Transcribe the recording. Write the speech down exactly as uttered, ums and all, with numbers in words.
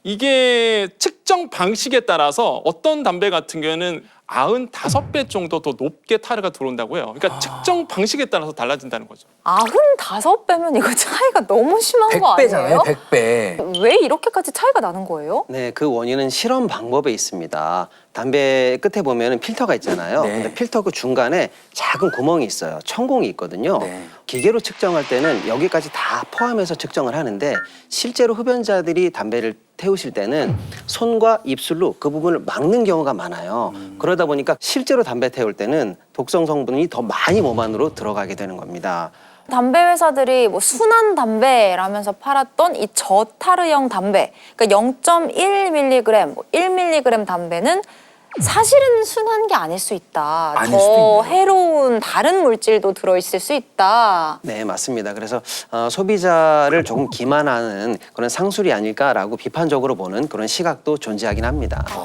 이게 측정 방식에 따라서 어떤 담배 같은 경우에는 구십오 배 정도 더 높게 타르가 들어온다고 해요. 그러니까 아. 측정 방식에 따라서 달라진다는 거죠. 구십오 배면 이거 차이가 너무 심한 거 백 배잖아요, 아니에요? 백 배. 왜 이렇게까지 차이가 나는 거예요? 네, 그 원인은 실험 방법에 있습니다. 담배 끝에 보면 필터가 있잖아요. 네. 근데 필터 그 중간에 작은 구멍이 있어요. 천공이 있거든요. 네. 기계로 측정할 때는 여기까지 다 포함해서 측정을 하는데 실제로 흡연자들이 담배를 태우실 때는 손과 입술로 그 부분을 막는 경우가 많아요. 그러다 보니까 실제로 담배 태울 때는 독성 성분이 더 많이 몸 안으로 들어가게 되는 겁니다. 담배 회사들이 뭐 순한 담배라면서 팔았던 이 저타르형 담배, 그러니까 영 점 일 밀리그램, 뭐 일 밀리그램 담배는 사실은 순한 게 아닐 수 있다. 아닐 더 수도 있네요. 해로운 다른 물질도 들어있을 수 있다. 네, 맞습니다. 그래서 어, 소비자를 조금 기만하는 그런 상술이 아닐까라고 비판적으로 보는 그런 시각도 존재하긴 합니다.